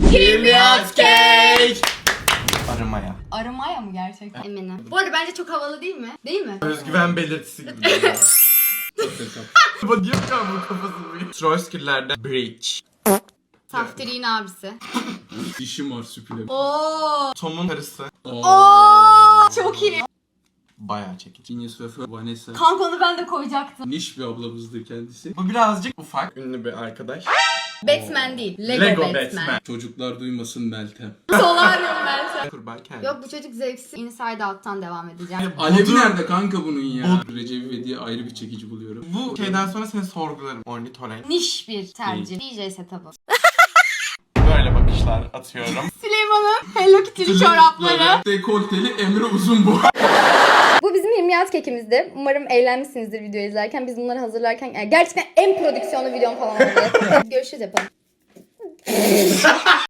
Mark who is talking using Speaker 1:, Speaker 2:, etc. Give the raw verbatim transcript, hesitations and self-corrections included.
Speaker 1: Kimyat cake. Arımaya.
Speaker 2: Arımaya mı gerçekten? Eminim. Bu arada bence çok havalı değil mi? Değil mi?
Speaker 1: Özgüven belirtisi gibi. Bu diyor ya bu kafasını. Troyskiller'de bridge.
Speaker 2: Saftir'in abisi.
Speaker 3: Dişim var süpüle.
Speaker 2: Oo.
Speaker 1: Tom'un karısı.
Speaker 2: Oo. Çok iyi.
Speaker 1: Bayağı çekici.
Speaker 3: Genius ve Vanessa.
Speaker 2: Kanka onu ben de koyacaktım.
Speaker 3: Niş bir ablamızdır kendisi.
Speaker 1: Bu birazcık ufak. Ünlü bir arkadaş.
Speaker 2: Batman değil. Lego,
Speaker 1: Lego
Speaker 2: Batman.
Speaker 1: Batman.
Speaker 3: Çocuklar duymasın Meltem.
Speaker 2: Solarium Meltem.
Speaker 1: Kurban kendi.
Speaker 2: Yok bu çocuk zevksiz. Inside Out'tan devam edeceğim.
Speaker 3: Alevi
Speaker 1: Budur.
Speaker 3: nerede kanka bunun ya? Recep İvedik'i ayrı bir çekici buluyorum.
Speaker 1: Bu şeyden sonra seni sorgularım. Ornitorenk.
Speaker 2: Niş bir tercih. D J setup'ı.
Speaker 1: Böyle bakışlar atıyorum.
Speaker 2: Süleyman'ın Hello Kitty'li çorapları.
Speaker 3: Dekolteli Emre uzun bu.
Speaker 2: Bu bizim yirmi kekimizdi. Umarım eğlenmişsinizdir videoyu izlerken. Biz bunları hazırlarken yani gerçekten en prodüksiyonlu videom falan oldu. Görüşürüz yapalım.